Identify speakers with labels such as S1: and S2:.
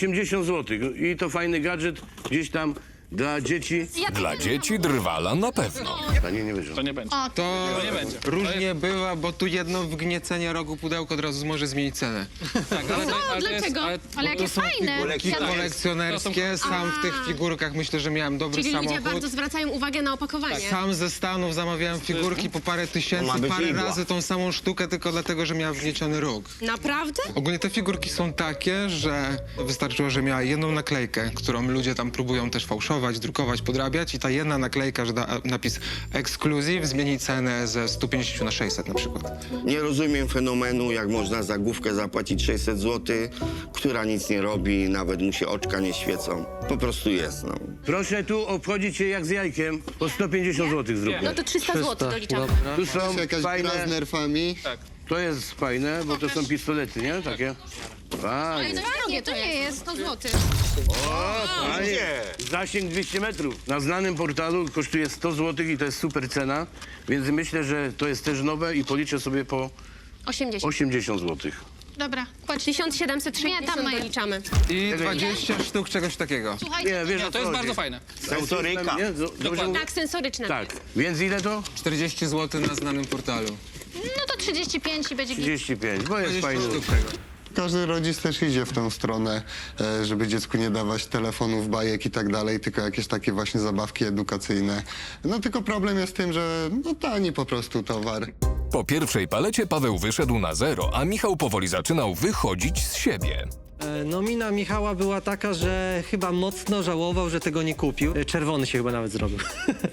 S1: 80 zł. I to fajny gadżet gdzieś tam dla dzieci.
S2: Dla dzieci drwala na pewno.
S1: Panie nie wyżą.
S3: To nie będzie.
S4: To
S3: nie będzie.
S4: różnie bywa, bo tu jedno wgniecenie rogu pudełka od razu może zmienić cenę.
S3: Tak, ale to
S5: Dlaczego? Ale jakie fajne.
S4: Figurki kolekcjonerskie, sam w tych figurkach myślę, że miałem dobry
S5: Czyli ludzie
S4: samochód.
S5: bardzo zwracają uwagę na opakowanie.
S4: Sam ze Stanów zamawiałem figurki po parę tysięcy, parę razy tą samą sztukę, tylko dlatego, że miała wgnieciony róg.
S5: Naprawdę?
S4: Ogólnie te figurki są takie, że wystarczyło, że miała jedną naklejkę, którą ludzie tam próbują też fałszować, drukować, podrabiać i ta jedna naklejka, że da napis ekskluzyw zmieni cenę ze 150 na 600 na przykład.
S6: Nie rozumiem fenomenu, jak można za główkę zapłacić 600 zł, która nic nie robi, nawet mu się oczka nie świecą. Po prostu jest, no.
S1: Proszę tu obchodzić się jak z jajkiem. Po 150 zł zróbmy.
S5: No to 300 zł doliczamy.
S1: Tu są
S7: Jakaś gra
S1: fajne.
S7: z nerfami.
S1: To jest fajne, bo to są pistolety, nie? Takie. Fajnie.
S5: Nie, to nie jest 100 zł.
S1: Fajnie. Zasięg 200 metrów. Na znanym portalu kosztuje 100 zł i to jest super cena, więc myślę, że to jest też nowe i policzę sobie po
S5: 80.
S1: 80 zł.
S5: Dobra, płacz 1760 doliczamy.
S4: I 20 sztuk czegoś takiego.
S1: Nie, wiesz, o
S3: To
S1: co
S3: jest
S1: chodzi.
S3: bardzo fajne.
S6: Sensoryka.
S1: Nie? Dobrze mówię?
S5: Tak, sensoryczne.
S1: Tak. Więc ile to?
S4: 40 zł na znanym portalu.
S5: No to 35 i będzie
S1: 35, bo jest
S4: 20
S1: fajny.
S4: sztuk tego.
S7: Każdy rodzic też idzie w tę stronę, żeby dziecku nie dawać telefonów, bajek i tak dalej, tylko jakieś takie właśnie zabawki edukacyjne. No tylko problem jest w tym, że no tani po prostu towar.
S2: Po pierwszej palecie Paweł wyszedł na zero, a Michał powoli zaczynał wychodzić z siebie.
S8: No mina Michała była taka, że chyba mocno żałował, że tego nie kupił. Czerwony się chyba nawet zrobił.